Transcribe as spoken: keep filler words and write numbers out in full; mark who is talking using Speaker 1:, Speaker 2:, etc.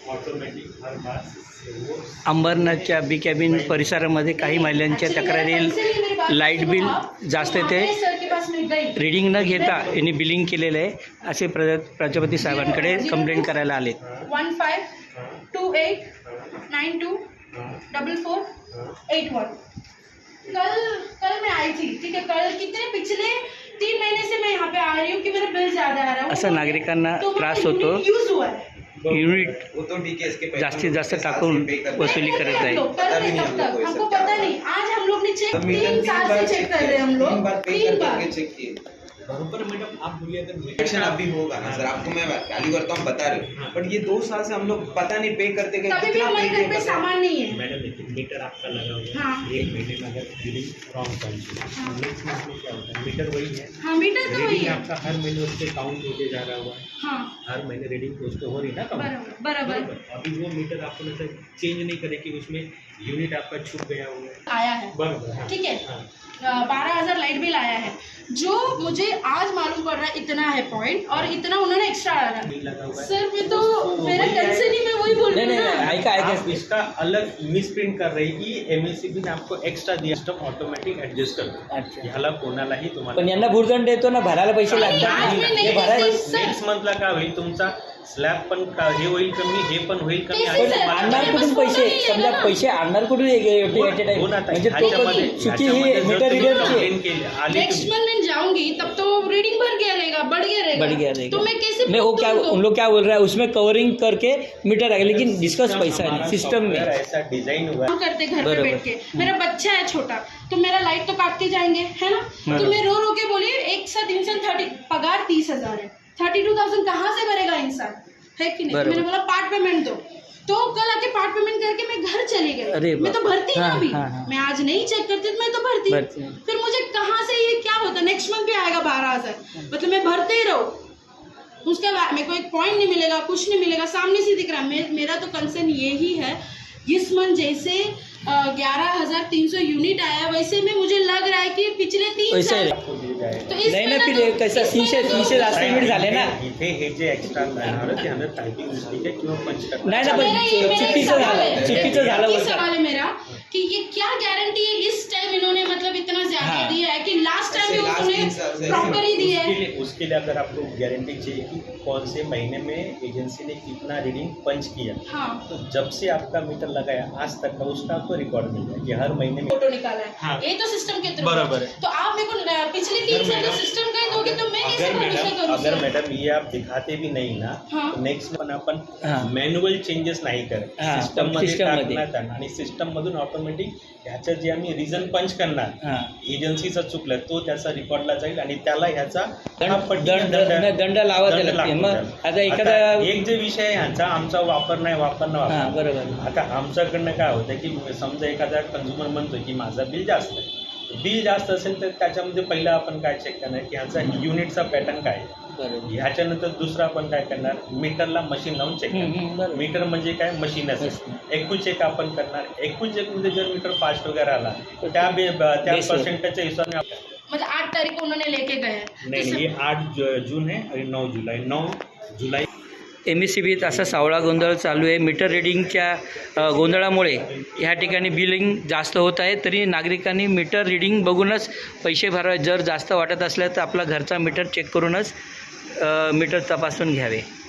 Speaker 1: Automatic हर बार वो
Speaker 2: अंबरनाथच्या B cabin परिसरामध्ये काही महिलांच्या तक्रारी लाईट बिल जास्त येते, रीडिंग न घेता यांनी बिलिंग केलेलं आहे असे प्र प्रजापती साहेबांकडे कंप्लेंट करायला आले.
Speaker 3: One five two eight nine two double four eight one. कल कल मैं आई थी, ठीक है. कल कितने पिछले तीन महीने से मैं यहाँ पे आ रही हूँ कि मेरा बिल ज्यादा आ रहा है.
Speaker 2: असं नागरिकांना त्रास होतो.
Speaker 3: यूज हुआ है
Speaker 2: युनिट जास्तीत जास्त टाकून वसुली करत आहे.
Speaker 3: हमको पता नहीं. आज हम लोग ने चेक तीन साल से चेक कर रहे हैं हम लोग तीन बार.
Speaker 1: बराबर मैडम, आप बोलिए अगर
Speaker 4: एक्शन अभी होगा ना सर, आपको मैं वैल्यू करता हूँ बता रहे हूँ, बट ये दो साल से हम लोग पता नहीं पे करते गए.
Speaker 3: कभी भी हमारे घर पे सामान नहीं है
Speaker 1: मैडम. देखिए मीटर आपका लगा हुआ है.
Speaker 3: हाँ. एक
Speaker 1: महीने में अगर बिलिंग रॉन्ग पहुंची, नेक्स्ट मंथ में क्या होता है, मीटर वही है.
Speaker 3: हाँ, मीटर तो वही है.
Speaker 1: आपका हर महीने उसके काउंट होते जा रहा हुआ है.
Speaker 3: हाँ,
Speaker 1: हर महीने रीडिंग तो उसको हो रही ना काउंट.
Speaker 3: बराबर बराबर.
Speaker 1: अभी वो मीटर आपको ना सर चेंज नहीं करे कि उसमें यूनिट आपका छुप गया हुआ है.
Speaker 3: आया है,
Speaker 1: बराबर.
Speaker 3: ठीक है. बारह हजार लाइट बिल आया है, जो मुझे आज मालूम पड़ रहा है इतना है पॉइंट, और इतना उन्होंने एक्स्ट्रा डाला. सर मैं तो मेरा टेंशन ही मैं वही बोल रही हूँ ना.
Speaker 2: ऐका ऐका
Speaker 1: इसका अलग मिस प्रिंट कर रही की एमएससीबी ने आपको एक्स्ट्रा दिया. सिस्टम ऑटोमॅटिक ऍडजस्ट करतो.
Speaker 2: अच्छा.
Speaker 1: ह्याला कोणालाही तुम्हाला
Speaker 2: पण यांना भुर्दंड देतो ना, भरायला पैसे लागतात.
Speaker 3: आज मी नाही
Speaker 2: भरायला
Speaker 3: देते, सर.
Speaker 1: नेक्स्ट मंथला काय होईल, तुमचा स्लॅब पण का हे होईल कमी, हे पण होईल कमी.
Speaker 3: कैसे
Speaker 2: पण
Speaker 3: सर?
Speaker 2: आणणार कुठून पैसे, समजा पैसे आणणार कुठून एक एट ए टाइम,
Speaker 1: हो ना,
Speaker 2: म्हणजे तो
Speaker 1: ह्याच्यामध्ये-
Speaker 2: चुकी ही
Speaker 1: ह्याच्यामध्ये जर
Speaker 2: मीटर
Speaker 1: तुम्ही
Speaker 2: रीडरची
Speaker 1: complaint केली, आली
Speaker 3: नेक्स्ट
Speaker 1: तुम्ही-
Speaker 3: मंथ मैं जाऊंगी तब तो रीडिंग बढ़ गया रहेगा, बढ़ गया रहेगा,
Speaker 2: बढ़ गया रहेगा.
Speaker 3: तो मैं कैसे
Speaker 2: मैं वो क्या
Speaker 3: proof
Speaker 2: उन
Speaker 3: दूँ?
Speaker 2: लोग क्या बोल रहा है, उसमें कवरिंग करके मीटर आएगा, लेकिन डिस्कस पैसा
Speaker 1: हमारा
Speaker 2: नहीं सिस्टम में.
Speaker 1: software ऐसा डिजाइन हुआ है.
Speaker 3: काम करते घर पे
Speaker 2: बराबर.
Speaker 3: बैठ के. मेरा बच्चा है छोटा, तो मेरा लाइट तो काटते जाएंगे, है ना. तो मैं रो रो के बोली एक साथ इंसान थर्टी पगार तीस हजार है, थर्टी टू थाउजेंड कहाँ से भरेगा इंसान, है कि नहीं.
Speaker 2: बराबर.
Speaker 3: मैंने बोला पार्ट पेमेंट दो, तो कल आके पार्ट पेमेंट करके मैं घर चली गई.
Speaker 2: अरे
Speaker 3: मैं तो
Speaker 2: बाप.
Speaker 3: भरती ना
Speaker 2: हाँ,
Speaker 3: अभी.
Speaker 2: हाँ, हाँ.
Speaker 3: मैं आज नहीं चेक करती तो मैं तो भरती.
Speaker 2: भरती.
Speaker 3: फिर मुझे कहाँ से ये क्या होता, नेक्स्ट मंथ भी आएगा बारह हजार, मतलब मैं भरते ही रहूँ. उसके बाद मेरे को एक पॉइंट नहीं मिलेगा, कुछ नहीं मिलेगा, सामने से दिख रहा है. मे, मेरा तो कंसर्न यही है, इस मंथ जैसे ग्यारह हजार तीन सौ यूनिट आया, वैसे में मुझे लग रहा है कि पिछले तीन
Speaker 2: वैसे
Speaker 3: साल
Speaker 1: आपको दिया जाएगा.
Speaker 3: तो इस
Speaker 2: नाही ना,
Speaker 3: महीने
Speaker 2: फिर
Speaker 3: तो-
Speaker 2: कैसा
Speaker 3: इस
Speaker 2: तीनशे
Speaker 3: महीने तो-
Speaker 2: तीनशे जास्त युनिट झाले ना.
Speaker 1: इथे हे जे एक्स्ट्रा मिळणार ते हमें टायपिंग मिस्टेक आहे किंवा पंच करणार.
Speaker 2: नाही ना, पण
Speaker 3: मेरा ये- मेरा एक
Speaker 2: चुकीचं
Speaker 3: सवाल
Speaker 2: झालं,
Speaker 3: है.
Speaker 2: चुकीचं झालं
Speaker 3: ये
Speaker 2: बरं का.
Speaker 3: सवाल है मेरा कि ये क्या गारंटी है इस टाइम इन्होंने मतलब इतना ज्यादा
Speaker 2: हाँ.
Speaker 3: दिया है कि लास्ट टाइम भी
Speaker 4: ऐसे last तीन साल
Speaker 3: उन्होंने
Speaker 4: से
Speaker 3: प्रॉपर ही दिया
Speaker 1: उसके
Speaker 3: है.
Speaker 1: लिए उसके लिए अगर आपको गारंटी चाहिए कि कौन से महीने में एजेंसी ने कितना रीडिंग पंच किया,
Speaker 3: हाँ,
Speaker 1: तो जब से आपका मीटर लगाया आज तक का उसका आपको रिकॉर्ड मिल जाए कि हर महीने में.
Speaker 3: फोटो निकाला है.
Speaker 1: हाँ.
Speaker 3: ये तो सिस्टम के थ्रू
Speaker 1: बराबर है.
Speaker 3: तो आप मेरे को न- पिछले तीन
Speaker 1: अगर
Speaker 3: साल का
Speaker 1: मैडम-
Speaker 3: सिस्टम का ही दोगे तो मैं कैसे
Speaker 1: अगर
Speaker 3: भरोसा
Speaker 1: मैडम
Speaker 3: करूँ
Speaker 1: अगर
Speaker 3: सर?
Speaker 1: मैडम ये आप दिखाते भी नहीं ना,
Speaker 3: हाँ.
Speaker 1: तो नेक्स्ट पण आपण
Speaker 2: हाँ.
Speaker 1: मॅन्युअल चेंजेस नाही करत.
Speaker 2: हाँ,
Speaker 1: सिस्टम
Speaker 2: पण
Speaker 1: मध्ये
Speaker 2: system मध्ये.
Speaker 1: टाकण्यात आणा आणि सिस्टम मधून ऑटोमॅटिक ह्याचं जे आम्ही रिझन पंच करणार,
Speaker 2: हा.
Speaker 1: एजन्सीचा चुकलं तो त्याचा रेकॉर्डला जाईल आणि त्याला ह्याचा
Speaker 2: दंड
Speaker 1: पटीने
Speaker 2: दंड दंड- दंड लावा
Speaker 1: दंड
Speaker 2: त्याला.
Speaker 1: लागतो
Speaker 2: मग
Speaker 1: त्याला.
Speaker 2: आता एखादा
Speaker 1: आता एक जे विषय आहे ह्यांचा आमचा वापर नाही वापर न
Speaker 2: हा
Speaker 1: वापर.
Speaker 2: बरोबर.
Speaker 1: आता आमच्याकडनं काय होतं की समजा एखादा कंझ्युमर म्हणतो की माझं बिल जास्त आहे, बिल जास्त असेल तर त्याच्यामध्ये पहिलं आपण काय चेक करणार की ह्याचा युनिटचा पॅटर्न काय आहे.
Speaker 2: बरोबर.
Speaker 1: ह्याच्यानंतर दुसरं आपण काय करणार, मीटरला मशीन लावून चेक
Speaker 2: हम्म,
Speaker 1: करणार.
Speaker 2: हम्म, बरोबर.
Speaker 1: मीटर म्हणजे काय, मशीनच.
Speaker 2: मशीन.
Speaker 1: एकूण चेक आपण करणार. एकूण चेकमध्ये जर मीटर फास्ट वगैरे आला तर त्या बे- त्या
Speaker 2: बेसवर.
Speaker 1: पर्सेंटेजच्या हिशोबाने आपण-
Speaker 3: मतलब आठ तारीख को उन्होंने लेके गए हैं.
Speaker 1: नाही
Speaker 3: तो
Speaker 1: नाही,
Speaker 3: सर-
Speaker 1: हे आठ जु- जून आहे आणि नऊ जुलै नऊ जुलै
Speaker 2: एम एस सी बीत असा सावळा गोंधळ चालू आहे. मीटर रिडिंगच्या अ, गोंधळामुळे ह्या ठिकाणी बिलिंग जास्त होत आहे. तरी नागरिकांनी मीटर रिडिंग बघूनच पैसे भरावे. जर जास्त वाटत असल्या तर आपला घरचा मीटर चेक करूनच अ, मीटर तपासून घ्यावे.